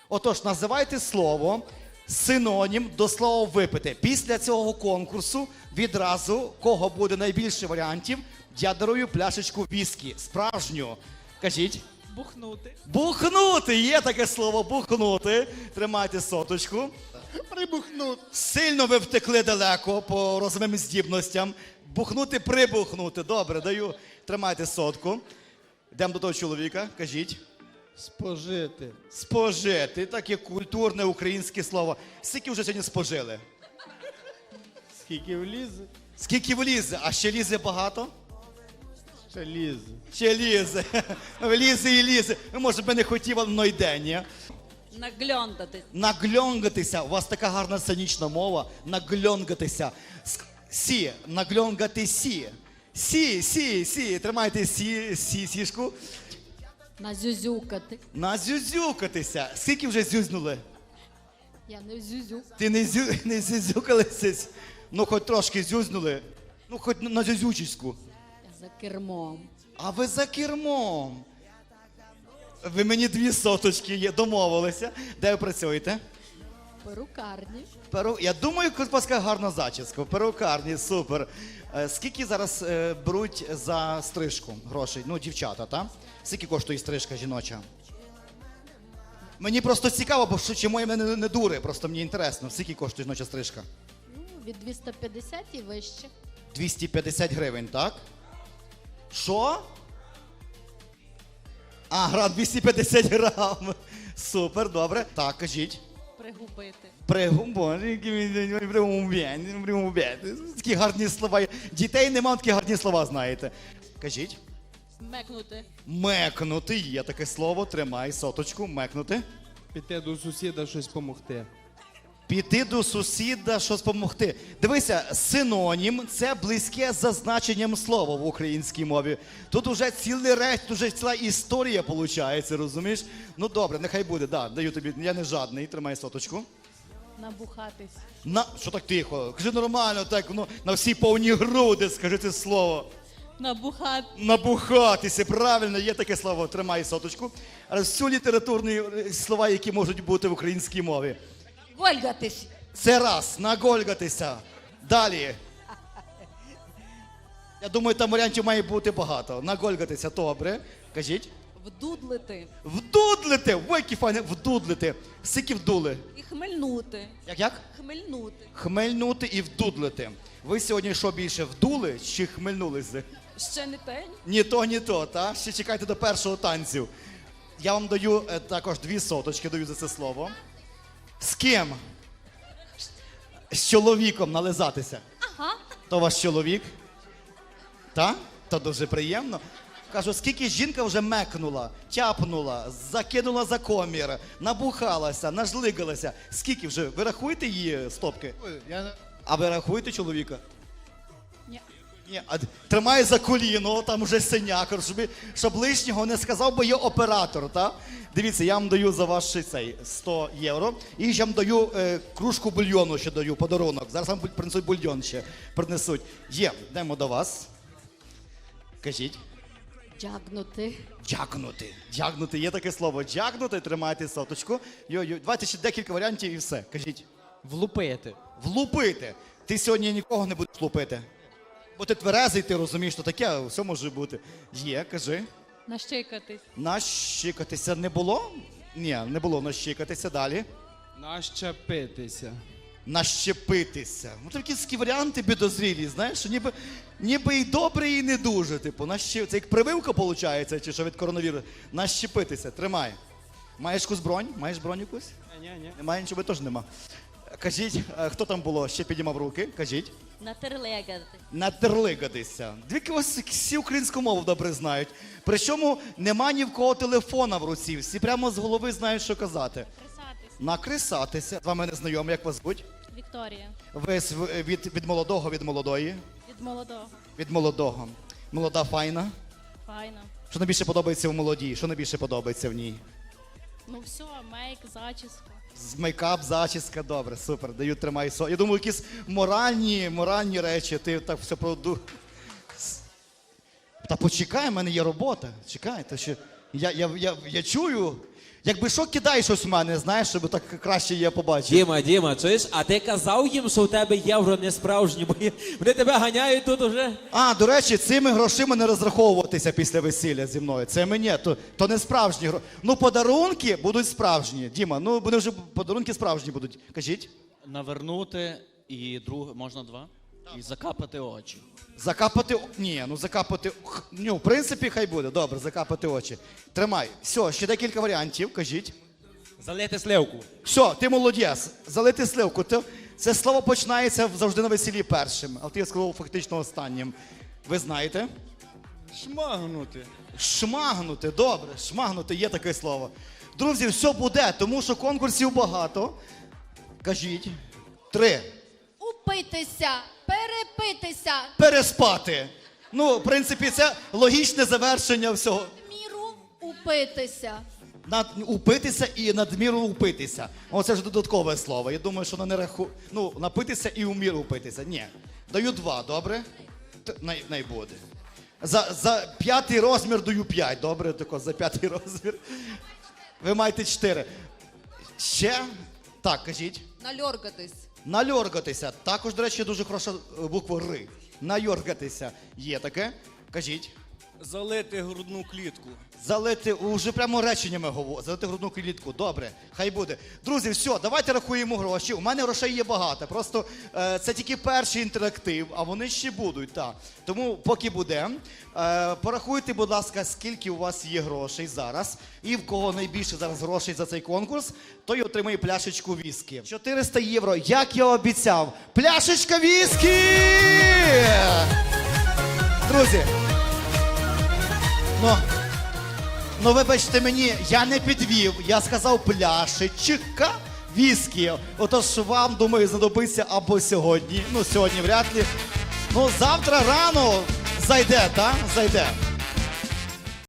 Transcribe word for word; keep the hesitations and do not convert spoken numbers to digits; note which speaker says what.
Speaker 1: Отож, називайте слово синонім до слова випити. Після цього конкурсу відразу, кого буде найбільше варіантів, я дарую пляшечку віскі. Справжню. Кажіть.
Speaker 2: Бухнути.
Speaker 1: Бухнути! Є таке слово бухнути. Тримайте соточку.
Speaker 3: Прибухнути.
Speaker 1: Сильно ви втекли далеко по розумним здібностям. Бухнути, прибухнути. Добре, даю. Тримайте сотку. Йдемо до того чоловіка. Кажіть.
Speaker 3: Спожити.
Speaker 1: Спожити. Таке культурне українське слово. Скільки вже сьогодні спожили?
Speaker 3: Скільки влізе,
Speaker 1: Скільки влізе? А ще лізе багато?
Speaker 3: ще лізе.
Speaker 1: Ще лізе. Влізе і лізе. Ну, може би не хотів, але воно йде, ні?
Speaker 4: Нагльондатись.
Speaker 1: Нагльонгатися. У вас така гарна сценічна мова. Нагльонгатися. Ск- Сі. Нагльонгати сі. Сі, сі, сі. Тримайте сі, сі, сішку.
Speaker 4: Назюзюкати.
Speaker 1: Назюзюкатися. Скільки вже зюзнули?
Speaker 4: Я не зюзю.
Speaker 1: Ти не, зю, не зюзюкалися? Ну, хоч трошки зюзнули. Ну, хоч на зюзючечку.
Speaker 4: Я за кермом.
Speaker 1: А ви за кермом. Ви мені дві соточки є, домовилися. Де ви працюєте?
Speaker 4: Перукарні.
Speaker 1: Перу... Я думаю, у вас така гарна зачіска. В перукарні, супер. Е, Скільки зараз е, беруть за стрижку грошей? Ну, дівчата, так? Скільки коштує стрижка жіноча? Мені просто цікаво, бо що, чому я мене не, не дури, просто мені інтересно. Скільки коштує жіноча стрижка?
Speaker 4: Ну, від двісті п'ятдесят і вище.
Speaker 1: двісті п'ятдесят гривень, так? Що? А, грам двісті п'ятдесят грам. Супер, добре. Так, кажіть.
Speaker 4: Пригубити.
Speaker 1: Пригумбяти. Такі гарні слова. Дітей нема, такі гарні слова знаєте. Кажіть.
Speaker 4: Мекнути.
Speaker 1: Мекнути. Є таке слово. Тримай соточку. Мекнути.
Speaker 3: Піти до сусіда щось помогти.
Speaker 1: Піти до сусіда, щось допомогти. Дивися, синонім – це близьке за значенням слова в українській мові. Тут уже цілий реч, тут уже ціла історія виходить, розумієш? Ну добре, нехай буде, да, даю тобі, я не жадний, тримай соточку.
Speaker 4: Набухатись.
Speaker 1: На, що так тихо? Кажи нормально, так, ну, на всі повні груди, скажи це слово.
Speaker 4: Набухати.
Speaker 1: Набухатися, правильно, є таке слово, тримай соточку. Але всю літературні слова, які можуть бути в українській мові.
Speaker 4: Гольгатись.
Speaker 1: Це раз, нагольгатися. Далі. Я думаю, там варіантів має бути багато. Нагольгатися, добре. Кажіть.
Speaker 4: Вдудлити.
Speaker 1: Вдудлити. Ой, які файне, вдудлити. Скільки вдули?
Speaker 4: І хмельнути.
Speaker 1: Як як?
Speaker 4: Хмельнути.
Speaker 1: Хмельнути і вдудлити. Ви сьогодні що більше, вдули чи хмельнулися?
Speaker 4: Ще не те.
Speaker 1: Ні то, ні то, та? Ще чекайте до першого танцю. Я вам даю е, також дві соточки, даю за це слово. З ким? З чоловіком нализатися.
Speaker 4: Ага.
Speaker 1: То ваш чоловік? Та? То дуже приємно. Кажу, скільки жінка вже мекнула, тяпнула, закинула за комір, набухалася, нажлигалася. Скільки вже? Ви рахуєте її стопки?
Speaker 3: Ой, я не-
Speaker 1: А ви рахуєте чоловіка?
Speaker 4: Ні.
Speaker 1: Ні, а тримає за коліно, там вже синяк, щоб, щоб лишнього не сказав, бо є оператор, так? Дивіться, я вам даю за ваш цей сто євро. І ще вам даю е, кружку бульйону, ще даю, подарунок. Зараз вам принесуть бульйон ще, принесуть. Є, йдемо до вас. Кажіть.
Speaker 4: Джагнути.
Speaker 1: Джагнути. Джагнути, є таке слово. Джагнути, тримайте соточку. Йо-йо. Давайте ще декілька варіантів і все. Кажіть.
Speaker 2: Влупити.
Speaker 1: Влупити. Ти сьогодні нікого не будеш влупити. Бо ти тверезий, ти розумієш, що таке, все може бути. Є, кажи.
Speaker 4: Нащикатись.
Speaker 1: Нащикатися не було? Ні, не було нащикатися. Далі.
Speaker 3: Нащепитися.
Speaker 1: Нащепитися. Ну такі такі варіанти підозрілі, знаєш, що ніби, ніби і добре, і не дуже. Типу, нащ... це як прививка, виходить, чи що від коронавірусу. Нащепитися. Тримай. Маєш якусь бронь? Маєш бронь якусь?
Speaker 3: Ні, ні.
Speaker 1: Немає нічого, теж нема. Кажіть, е, хто там було? Ще підіймав руки. Кажіть.
Speaker 4: Натерлегати.
Speaker 1: Натерлигатися. Дві вас всі українську мову добре знають. Причому нема ні в кого телефона в руці. Всі прямо з голови знають, що казати.
Speaker 4: Кресатись.
Speaker 1: Накрисатися. З вами не знайомі, як вас звуть?
Speaker 4: Вікторія.
Speaker 1: Ви з- від, від молодого, від молодої?
Speaker 4: Від молодого.
Speaker 1: Від молодого. Молода файна.
Speaker 4: Файно.
Speaker 1: Що найбільше подобається в молодій? Що найбільше подобається в ній?
Speaker 4: Ну все, мейк, зачіска.
Speaker 1: З мейкап, зачіска, добре, супер. Даю, тримай со. Я думаю, якісь моральні, моральні речі, ти так все проду. Та почекай, в мене є робота. Чекай, та ще. Я, я, я, я чую, Якби що, кидай щось в мене, знаєш, щоб так краще я побачив.
Speaker 5: Діма, Діма, чуєш, а ти казав їм, що у тебе євро не справжні, бо є- вони тебе ганяють тут уже.
Speaker 1: А, до речі, цими грошима не розраховуватися після весілля зі мною. Це мені, то, то не справжні гроші. Ну, подарунки будуть справжні. Діма, ну вони вже подарунки справжні будуть. Кажіть.
Speaker 2: Навернути і друг, можна два? І закапати очі.
Speaker 1: Закапати. о- Ні, ну закапати. х- Ну, в принципі, хай буде. Добре, закапати очі. Тримай. Все, ще декілька варіантів, кажіть.
Speaker 5: Залити сливку.
Speaker 1: Все, ти молодець. Залити сливку. Ти... Це слово починається завжди на весіллі першим, а ти сказав фактично останнім. Ви знаєте?
Speaker 3: Шмагнути.
Speaker 1: Шмагнути, добре, шмагнути є таке слово. Друзі, все буде, тому що конкурсів багато. Кажіть. Три.
Speaker 6: Упитися, перепитися,
Speaker 1: Переспати. Ну, в принципі, це логічне завершення всього.
Speaker 6: міру упитися.
Speaker 1: Над, упитися і надміру упитися. Оце ж додаткове слово. Я думаю, що воно не раху... Ну, напитися і у міру упитися. Ні. Даю два, добре? Т- Най, най буде. За, за п'ятий розмір даю п'ять, добре? Тако, за п'ятий розмір. Ви маєте чотири. Ще? Так, кажіть.
Speaker 7: Нальоргатись.
Speaker 1: Нальоргатися. Також, до речі, дуже хороша е, буква Р. Нальоргатися. Є таке? Кажіть.
Speaker 3: Залити грудну клітку.
Speaker 1: Залити, уже прямо реченнями говорю, залити грудну клітку. Добре, хай буде. Друзі, все, давайте рахуємо гроші. У мене грошей є багато. Просто е, це тільки перший інтерактив, а вони ще будуть. Так. Тому поки буде. Е, порахуйте, будь ласка, скільки у вас є грошей зараз. І в кого найбільше зараз грошей за цей конкурс, той отримає пляшечку віскі. чотириста євро, як я обіцяв. Пляшечка віскі! Друзі. Ну, ну вибачте мені, я не підвів, я сказав пляшечка віскі. Отож вам, думаю, знадобиться або сьогодні, ну сьогодні вряд ли. Ну завтра рано зайде, так? Зайде.